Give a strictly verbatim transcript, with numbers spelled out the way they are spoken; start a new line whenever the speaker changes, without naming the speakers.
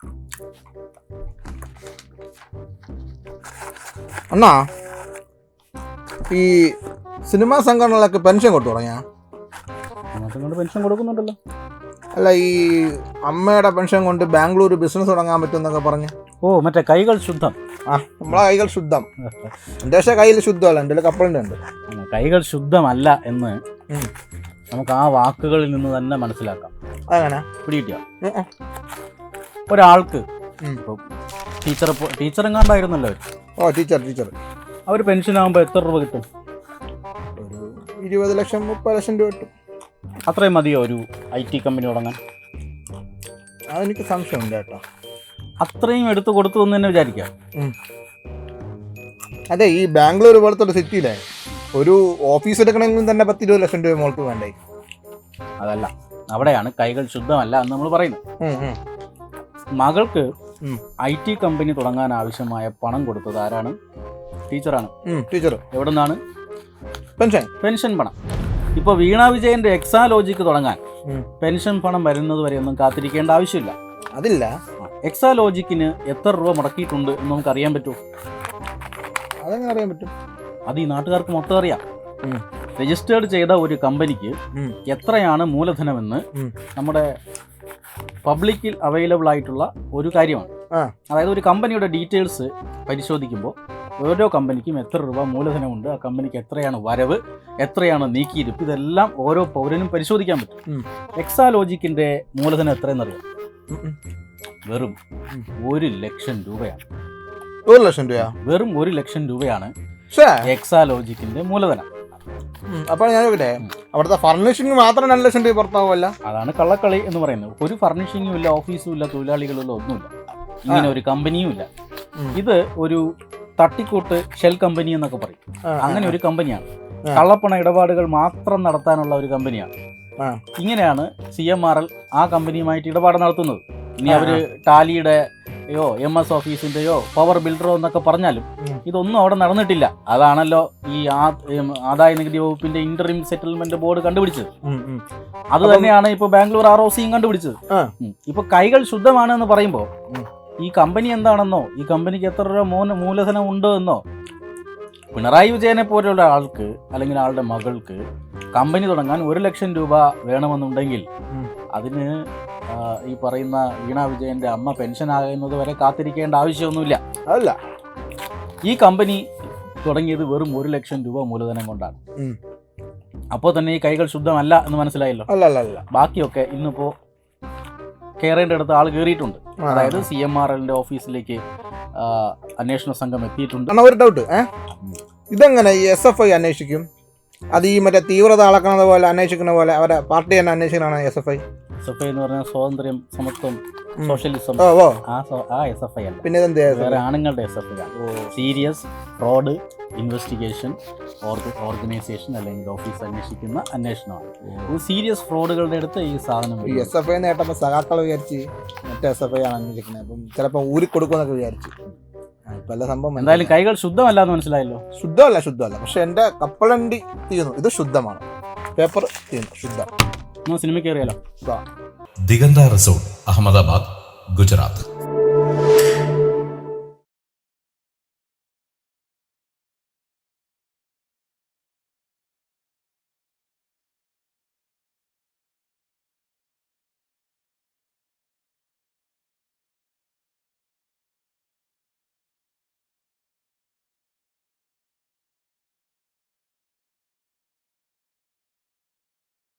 അണ്ണാ, ഈ cinema സംഘടനകളൊക്കെ pension കൊടുത്തു തുടങ്ങിയാ?
പെൻഷൻ കൊടുക്കുന്നുണ്ടല്ലോ.
അല്ല, ഈ അമ്മയുടെ പെൻഷൻ കൊണ്ട് ബാംഗ്ലൂർ ബിസിനസ് തുടങ്ങാൻ പറ്റുമെന്നൊക്കെ പറഞ്ഞ്.
ഓ, മറ്റേ കൈകൾ ശുദ്ധം.
ആ, നമ്മളെ കൈകൾ ശുദ്ധം. എൻ്റെ പക്ഷേ കയ്യിൽ ശുദ്ധമല്ല, എൻ്റെ കപ്പലിൻ്റെ ഉണ്ട്.
കൈകൾ ശുദ്ധമല്ല എന്ന് നമുക്ക് ആ വാക്കുകളിൽ നിന്ന് തന്നെ മനസ്സിലാക്കാം.
അതെങ്ങനെ
പിടികിട്ടിയ ഒരാൾക്ക് ടീച്ചർ ടീച്ചറെങ്ങാണ്ടായിരുന്നല്ലോ അവർ.
ഓ, ടീച്ചർ ടീച്ചർ
അവർ പെൻഷൻ ആകുമ്പോൾ എത്ര രൂപ കിട്ടും?
ഒരു ഇരുപത് ലക്ഷം മുപ്പത് ലക്ഷം രൂപ കിട്ടും.
അത്രയും മതിയോ ഒരു ഐ ടി കമ്പനി തുടങ്ങാൻ?
അതെനിക്ക് സംശയമുണ്ട് കേട്ടോ.
അത്രയും എടുത്ത് കൊടുത്തു എന്ന് തന്നെ വിചാരിക്കാം.
അതെ, ഈ ബാംഗ്ലൂർ പോലത്തെ ഒരു സിറ്റിയിലെ ഒരു ഓഫീസ് എടുക്കണമെങ്കിൽ തന്നെ പത്ത് ഇരുപത് ലക്ഷം രൂപ മുകൾക്ക് വേണ്ടേ?
അതല്ല, അവിടെയാണ് കൈകൾ ശുദ്ധമല്ല എന്ന് നമ്മൾ പറയുന്നത്. മകൾക്ക് ഐ ടി കമ്പനി തുടങ്ങാൻ ആവശ്യമായ പണം കൊടുത്തത് ആരാണ്? ടീച്ചറാണ്.
ടീച്ചർ
എവിടെ നിന്നാണ്?
പെൻഷൻ
പെൻഷൻ പണം. ഇപ്പോൾ വീണ വിജയന്റെ എക്സാലോജിക്ക് തുടങ്ങാൻ പെൻഷൻ പണം വരുന്നത് വരെ ഒന്നും കാത്തിരിക്കേണ്ട ആവശ്യമില്ല.
അതില്ല.
എക്സാലോജിക്കിന് എത്ര രൂപ മുടക്കിയിട്ടുണ്ട് എന്ന് നമുക്ക് അറിയാൻ പറ്റുമോ?
അതെങ്ങനെ അറിയാൻ പറ്റും?
അത് ഈ നാട്ടുകാർക്ക് മൊത്തം അറിയാം. രജിസ്റ്റേർഡ് ചെയ്ത ഒരു കമ്പനിക്ക് എത്രയാണ് മൂലധനമെന്ന് നമ്മുടെ പബ്ലിക്കിൽ അവൈലബിൾ ആയിട്ടുള്ള ഒരു കാര്യമാണ്. അതായത് ഒരു കമ്പനിയുടെ ഡീറ്റെയിൽസ് പരിശോധിക്കുമ്പോൾ ഓരോ കമ്പനിക്കും എത്ര രൂപ മൂലധനമുണ്ട്, ആ കമ്പനിക്ക് എത്രയാണ് വരവ്, എത്രയാണ് നീക്കിയിരിപ്പ്, ഇതെല്ലാം ഓരോ പൗരനും പരിശോധിക്കാൻ പറ്റും. എക്സാലോജിക്കിന്റെ മൂലധനം എത്രയെന്നറിയാം? വെറും ഒരു ലക്ഷം രൂപയാണ്.
ഒരു ലക്ഷം രൂപ
വെറും ഒരു ലക്ഷം രൂപയാണ് എക്സാലോജിക്കിന്റെ മൂലധനം.
അപ്പോൾ ഞാൻ നോക്കട്ടെ, അവിടുത്തെ ഫർണിഷിംഗ് മാത്രം രണ്ട് ലക്ഷം രൂപ പുറത്താവുമല്ല?
അതാണ് കള്ളക്കളി എന്ന് പറയുന്നത്. ഒരു ഫർണിഷിംഗും ഇല്ല, ഓഫീസും ഇല്ല, തൊഴിലാളികളില്ല, ഒന്നുമില്ല, ഇങ്ങനെ ഒരു കമ്പനിയും ഇല്ല. ഇത് ഒരു തട്ടിക്കൂട്ട് ഷെൽ കമ്പനി എന്നൊക്കെ പറയും. അങ്ങനെ ഒരു കമ്പനിയാണ്. കള്ളപ്പണ ഇടപാടുകൾ മാത്രം നടത്താനുള്ള ഒരു കമ്പനിയാണ്. ഇങ്ങനെയാണ് സി എം ആർ എൽ ആ കമ്പനിയുമായിട്ട് ഇടപാട് നടത്തുന്നത്. ഇനി അവര് ടാലിയുടെയോ എം എസ് ഓഫീസിന്റെയോ പവർ ബിൽഡറോ എന്നൊക്കെ പറഞ്ഞാലും ഇതൊന്നും അവിടെ നടന്നിട്ടില്ല. അതാണല്ലോ ഈ ആദായ നികുതി വകുപ്പിന്റെ ഇന്ററിം സെറ്റിൽമെന്റ് ബോർഡ് കണ്ടുപിടിച്ചത്. അത് തന്നെയാണ് ഇപ്പൊ ബാംഗ്ലൂർ ആർ ഒ സിയും കണ്ടുപിടിച്ചത്. ഇപ്പൊ കൈകൾ ശുദ്ധമാണെന്ന് പറയുമ്പോൾ ഈ കമ്പനി എന്താണെന്നോ, ഈ കമ്പനിക്ക് എത്ര രൂപ മൂല മൂലധനം ഉണ്ടോ എന്നോ, പിണറായി വിജയനെ പോലെയുള്ള ആൾക്ക് അല്ലെങ്കിൽ ആളുടെ മകൾക്ക് കമ്പനി തുടങ്ങാൻ ഒരു ലക്ഷം രൂപ വേണമെന്നുണ്ടെങ്കിൽ അതിന് ഈ പറയുന്ന വീണ വിജയന്റെ അമ്മ പെൻഷൻ ആകുന്നത് വരെ കാത്തിരിക്കേണ്ട ആവശ്യമൊന്നുമില്ല.
അല്ല,
ഈ കമ്പനി തുടങ്ങിയത് വെറും ഒരു ലക്ഷം രൂപ മൂലധനം കൊണ്ടാണ്. അപ്പോൾ തന്നെ ഈ കൈകൾ ശുദ്ധമല്ല എന്ന് മനസ്സിലായല്ലോ. ബാക്കിയൊക്കെ ഇന്നിപ്പോ കയറേണ്ട അടുത്ത് ആൾ കയറിയിട്ടുണ്ട്. അതായത് സി എം ആർ എല്ലിന്റെ ഓഫീസിലേക്ക് അന്വേഷണ സംഘം എത്തിയിട്ടുണ്ട്.
ഒരു ഡൗട്ട്, ഇതെങ്ങനെ ഈ എസ് എഫ് ഐ അന്വേഷിക്കും? അത് ഈ മറ്റേ തീവ്രത അളക്കുന്നത് പോലെ അന്വേഷിക്കുന്ന പോലെ അവരെ പാർട്ടി തന്നെ അന്വേഷിക്കണാണ് S F I?
S F I എന്ന് പറഞ്ഞാൽ സ്വാതന്ത്ര്യം, സമത്വം, സോഷ്യലിസം, ആ എസ് എഫ് ഐ അല്ല. പിന്നെ വേറെ ആണുങ്ങളുടെ എസ് എഫ് ഐ ആണ്. സീരിയസ് ഫ്രോഡ് ഇൻവെസ്റ്റിഗേഷൻ ഓർഗനൈസേഷൻ അല്ലെങ്കിൽ ഓഫീസ് അന്വേഷിക്കുന്ന അന്വേഷണമാണ്. സീരിയസ് ഫ്രോഡുകളുടെ അടുത്ത് ഈ സാധനം
എസ് എഫ് ഐ നേട്ടപ്പോൾ സഖാക്കൾ വിചാരിച്ച് മറ്റേ എസ് എഫ് ഐ ആണ് അന്വേഷിക്കുന്നത്. അപ്പം ചിലപ്പോൾ ഊരി കൊടുക്കുമെന്നൊക്കെ വിചാരിച്ചു. പല സംഭവം.
എന്തായാലും കൈകൾ ശുദ്ധമല്ല എന്ന് മനസ്സിലായല്ലോ.
ശുദ്ധമല്ല ശുദ്ധമല്ല പക്ഷെ എൻ്റെ കപ്പലണ്ടി തീർന്നു. ഇത് ശുദ്ധമാണ്. പേപ്പർ തീർന്നു, ശുദ്ധം.
സിനിമയ്ക്ക് അറിയാലോ.
ദിഗന്ത റിസോർട്ട്, അഹമ്മദാബാദ്, ഗുജറാത്ത്.